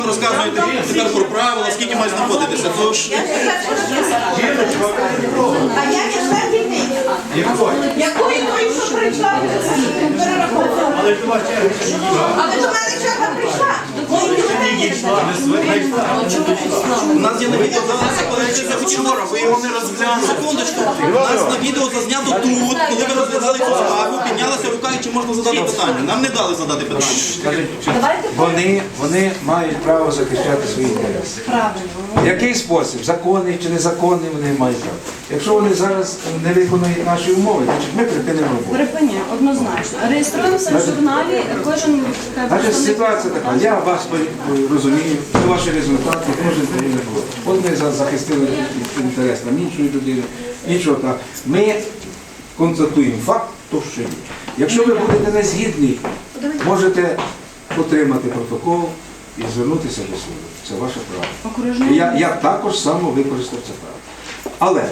Розказуєте тепер про правила, скільки має знаходитися. А я не знаю дітей. Якої той, що прийшла, перераховувала. Але до мене черга прийшла. У нас є на відео залишилося, коли це вчора, ви його не розглянули. Секундочку, у нас на відео зазнято тут, коли ви розглядали цю справу, піднялася рука, і чи можна задати питання. Нам не дали задати питання. Вони мають право захищати свої інтереси. В який спосіб? Законний чи незаконний, вони мають право. Якщо вони зараз не виконують наші умови, значить ми припинимо роботу. Припиняємо, однозначно. Реєструємося в журналі, кожен... Значить, ситуація така, я вас розумію, це ваші результати, кожен повинен було. От ми захистили інтерес там іншої людини, іншого так. Ми констатуємо факт, то що є. Якщо ви будете не згідні, можете отримати протокол і звернутися до суду. Це ваше право. Я також само використав це право. Але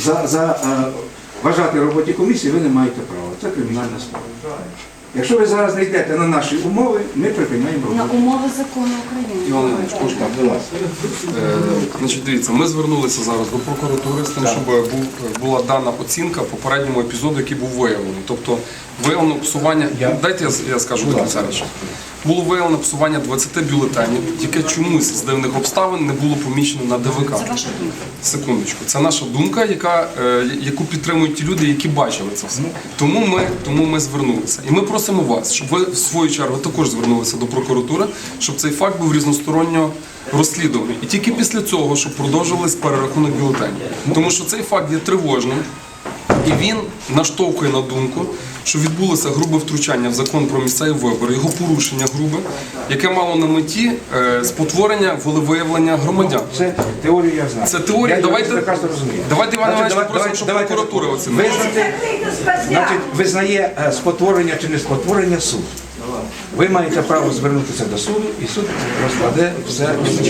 вважати роботі комісії ви не маєте права. Це кримінальна справа. Якщо ви зараз не йдете на наші умови, ми припиняємо роботу. На умови закону України. Іван Іванович, можна? Значить, дивіться, ми звернулися зараз до прокуратури з тим, щоб була дана оцінка попередньому епізоду, який був виявлений. Тобто виявлено псування, дайте я скажу до кінця речі. Було виявлено псування 20 бюлетенів, тільки чомусь з дивних обставин не було помічено на ДВК. Це ваша думка? Секундочку. Це наша думка, яку підтримують ті люди, які бачили це все. Тому ми звернулися. І ми просимо вас, щоб ви в свою чергу також звернулися до прокуратури, щоб цей факт був різносторонньо розслідуваний. І тільки після цього, щоб продовжувались перерахунок бюлетенів. Тому що цей факт є тривожним. І він наштовхує на думку, що відбулося грубе втручання в закон про місцеві вибори, його порушення грубе, яке мало на меті спотворення волевиявлення громадян. Це теорію я знаю. Це теорія. Давайте Іван Іванович, попросимо, щоб прокуратура оцінила. Значить, визнає спотворення чи не спотворення суд. Ви маєте право звернутися до суду, і суд розкладе все.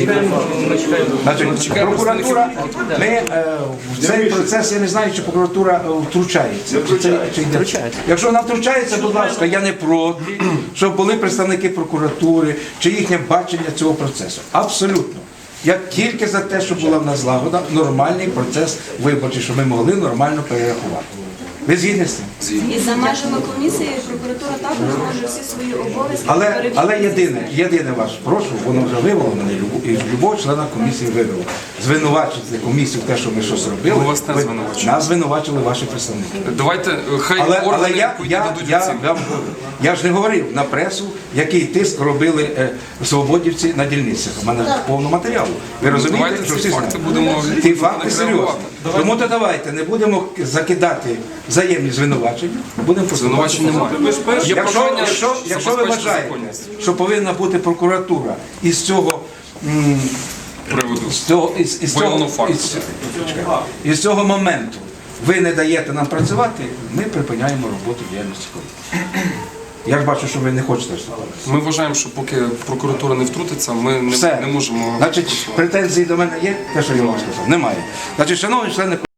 Значить, прокуратура, ми в цей процес, я не знаю, чи прокуратура втручається. Якщо вона втручається, будь ласка, я не проти, щоб були представники прокуратури, чи їхнє бачення цього процесу. Абсолютно. Я тільки за те, щоб була в нас злагода, нормальний процес виборчий, щоб ми могли нормально перерахувати. Ви згідні з цим? І за межами комісії прокуратура також може всі свої обов'язки перевірити. Але єдине ваш, прошу, воно вже вивело мене, і любого члена комісії вивело. Звинувачити комісію в те, що ми щось робили. Ми вас не звинувачуємо. Нас звинувачили ваші представники. Давайте, хай органи дадуть оцінку. Я ж не говорив на пресу, який тиск робили свободівці на дільницях. У мене повно матеріалу. Ви розумієте, що всі знають? Ті факти серйозні. Тому то давайте не будемо закидати взаємні звинувачення, будемо звинувачення немає. Якщо ви вважаєте, що повинна бути прокуратура із цього із цього моменту ви не даєте нам працювати, ми припиняємо роботу діяльності комісії. Я ж бачу, що ви не хочете вступати. Ми вважаємо, що поки прокуратура не втрутиться, ми не можемо... Значить, претензії до мене є? Те, що я вам сказав? Немає. Значить, шановні члени